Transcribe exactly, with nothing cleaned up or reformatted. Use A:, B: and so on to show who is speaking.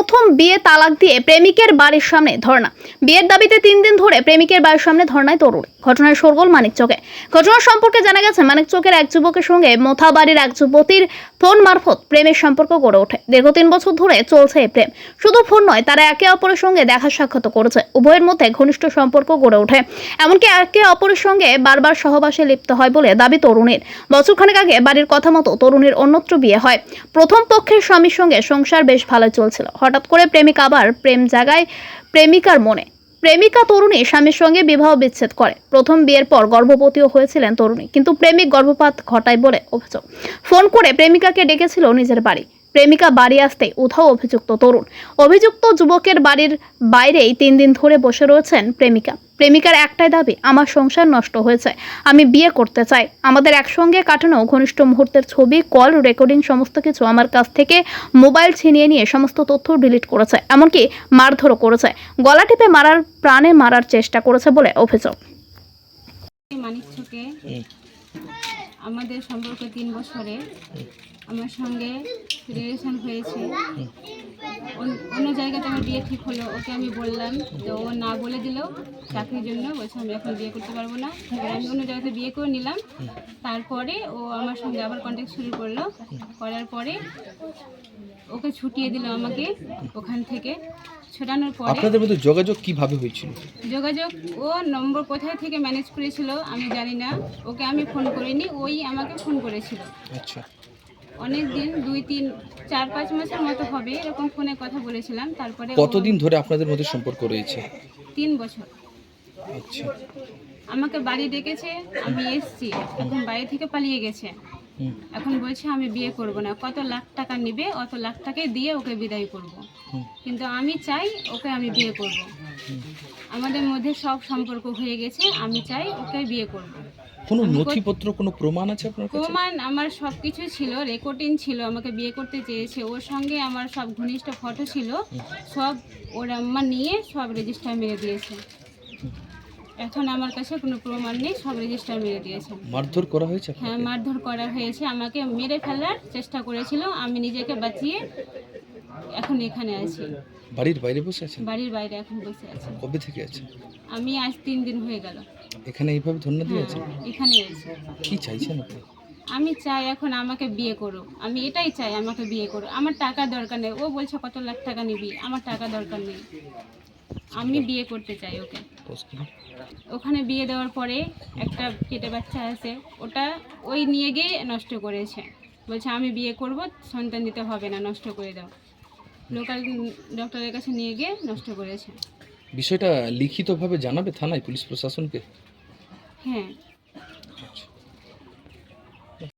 A: প্রথম বিয়ে তালাক দিয়ে প্রেমিকের বাড়ির সামনে ধর্ণা। বিয়ের দাবিতে তিন দিন ধরে প্রেমিকের বাড়ির সামনে ধর্ণায় তরুণ। ঘটনার শোরগোল মানিকচকে। ঘটনার সম্পর্কে জানা গেছে, মানিকচকের এক যুবকের সঙ্গে মোথাবাড়ির এক যুবতীর ফোন মারফত প্রেমের সম্পর্ক গড়ে ওঠে। দীর্ঘ তিন বছর ধরে চলছে এই প্রেম। শুধু ফোন নয়, তারা একে অপরের সঙ্গে দেখা সাক্ষাৎ করেছে। উভয়ের মধ্যে ঘনিষ্ঠ সম্পর্ক গড়ে ওঠে, এমনকি একে অপরের সঙ্গে বারবার সহবাসে লিপ্ত হয় বলে দাবি তরুণীর। বছরখানেক আগে বাড়ির কথা মতো তরুণীর অন্যত্র বিয়ে হয়। প্রথম পক্ষের স্বামীর সঙ্গে সংসার বেশ ভালো চলছিল। হঠাৎ করে প্রেমিকা আবার প্রেম জাগায় প্রেমিকার মনে। প্রেমিকা তরুণী স্বামীর সঙ্গে বিবাহ বিচ্ছেদ করে। প্রথম বিয়ের পর গর্ভবতীও হয়েছিলেন তরুণী, কিন্তু প্রেমিক গর্ভপাত ঘটায় বলে অভিযোগ। ফোন করে প্রেমিকাকে ডেকেছিল নিজের বাড়ি। প্রেমিকা বাড়ি আসতে উধাও অভিযুক্ত তরুণ। অভিযুক্ত যুবকের বাড়ির বাইরেই তিন দিন ধরে বসে রয়েছেন প্রেমিকা। প্রেমিকার একটাই দাবি, আমার সংসার নষ্ট হয়েছে, আমি বিয়ে করতে চাই। আমাদের একসঙ্গে কাটানো ঘনিষ্ঠ মুহূর্তের ছবি, কল রেকর্ডিং সমস্ত কিছু আমার কাছ থেকে মোবাইল ছিনিয়ে নিয়ে সমস্ত তথ্য ডিলিট করেছে, এমনকি মারধরও করেছে। গলা টিপে মারার, প্রাণে মারার চেষ্টা করেছে বলে অভিযোগ।
B: মানিকচকে আমাদের সম্পর্ক তিন বছরে আমার সঙ্গে রিলেশন হয়েছে। অন্য জায়গাতে আমার বিয়ে ঠিক হলো, ওকে আমি বললাম, তো ও না বলে দিল চাকরির জন্য। বলছে আমি এখন বিয়ে করতে পারবো না। এবার আমি অন্য জায়গাতে বিয়ে করে নিলাম। তারপরে ও আমার সঙ্গে আবার কন্ট্যাক্ট শুরু করলো। করার পরে ওকে ছুটিয়ে দিল আমাকে ওখান থেকে। ছোটানোর পরে
C: আপনাদের মধ্যে যোগাযোগ কিভাবে হয়েছিল?
B: যোগাযোগ ও নম্বর কোথায় থেকে ম্যানেজ করেছিল আমি জানি না। ওকে আমি ফোন করিনি, ওই আমাকে ফোন করেছিল।
C: আচ্ছা,
B: অনেক দিন, দুই তিন চার পাঁচ মাসের মতো হবে এরকম ফোনে কথা বলেছিলাম। তারপরে
C: কতদিন ধরে আপনাদের মধ্যে সম্পর্ক রয়েছে?
B: তিন বছর।
C: আচ্ছা,
B: আমাকে বাড়ি ডেকেছে, আমি এসছি। এখন বাড়ি থেকে পালিয়ে গেছে। এখন বলছে আমি বিয়ে করব না, কত লাখ টাকা নেবে, অত লাখ টাকাই দিয়ে ওকে বিদায় করব। কিন্তু আমি চাই ওকে আমি বিয়ে করব। আমাদের মধ্যে সব সম্পর্ক হয়ে গেছে, আমি চাই ওকে বিয়ে করব।
C: কোনো নথিপত্র, কোনো প্রমাণ আছে আপনার কাছে?
B: প্রমাণ আমার সব কিছু ছিল, রেকর্ডিং ছিল। আমাকে বিয়ে করতে চেয়েছে, ওর সঙ্গে আমার সব ঘনিষ্ঠ ফটো ছিল, সব ওর আম্মা নিয়ে সব রেজিস্টার মেরে দিয়েছে। এখন আমার কাছে কোনো প্রমাণ নেই, সব রেজিস্টার মেরে দিয়েছে।
C: মারধর করা হয়েছে?
B: হ্যাঁ, মারধর করা হয়েছে, আমাকে মেরে ফেলার চেষ্টা করেছিল। আমি নিজেকে বাঁচিয়ে এখন এখানে আছি।
C: বাড়ির বাইরে বসে আছেন?
B: বাড়ির বাইরে এখন বসে আছি।
C: কবে থেকে আছে?
B: আমি আজ তিন দিন হয়ে গেল
C: এখানে এইভাবে ধন্যবাদ দিয়েছে?
B: এখানে আছি।
C: কি চাইছেন আপনি?
B: আমি চাই এখন আমাকে বিয়ে করো, আমি এটাই চাই, আমাকে বিয়ে করো। আমার টাকা দরকার নেই। ও বলছে কত লাখ টাকা নিবি, আমার টাকা দরকার নেই, আমি বিয়ে করতে চাই ওকে। ওখানে বিয়ে দেওয়ার পরে একটা পেটে বাচ্চা আছে, ওটা ওই নিয়ে গিয়ে নষ্ট করেছে। বলছে আমি বিয়ে করব, সন্তান দিতে হবে না, নষ্ট করে দাও। লোকাল ডক্টরের কাছে নিয়ে গিয়ে নষ্ট করেছে।
C: বিষয়টা লিখিতভাবে জানাবে থানায়, পুলিশ প্রশাসনকে?
B: হ্যাঁ।